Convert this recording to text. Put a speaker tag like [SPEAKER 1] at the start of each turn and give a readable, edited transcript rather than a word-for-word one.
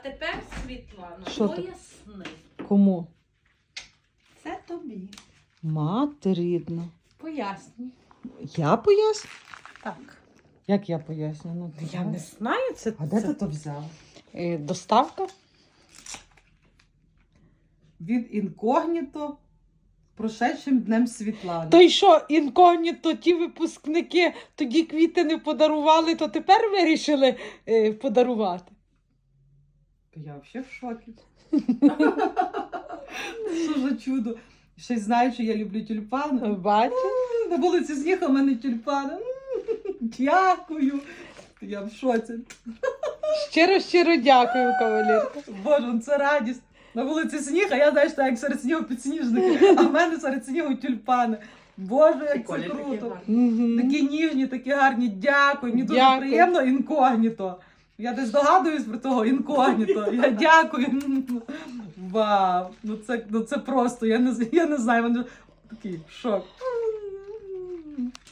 [SPEAKER 1] Тепер, Світлана,
[SPEAKER 2] Що ти?
[SPEAKER 1] поясни.
[SPEAKER 2] Кому?
[SPEAKER 1] Це тобі.
[SPEAKER 2] Мати рідна.
[SPEAKER 1] Поясні.
[SPEAKER 2] Я поясню?
[SPEAKER 1] Так.
[SPEAKER 2] Як я поясню? Ну,
[SPEAKER 1] Я не знаю, це...
[SPEAKER 2] А де ти то взяв? Доставка?
[SPEAKER 3] Від інкогніто прошедшим днем Світлани.
[SPEAKER 2] То й що, інкогніто, ті випускники тоді квіти не подарували, то тепер вирішили подарувати.
[SPEAKER 3] Я взагалі в шокі. Що за чудо. Ще й знаю, що я люблю тюльпани.
[SPEAKER 2] Бачиш?
[SPEAKER 3] На вулиці сніг, а в мене тюльпани. Дякую. Я в шоці.
[SPEAKER 2] Щиро дякую, кавалерка.
[SPEAKER 3] Боже, ну це радість. На вулиці сніг, а я, знаєш, так як серед снігу підсніжники, а в мене серед снігу тюльпани. Боже, як це круто. Такі ніжні, такі гарні. Дякую. Мені дуже
[SPEAKER 2] Дякую.
[SPEAKER 3] приємно інкогніто. Я десь догадуюсь про того інкогніто. Я дякую. Вау. Ну це просто. Я не знаю. Такий шок.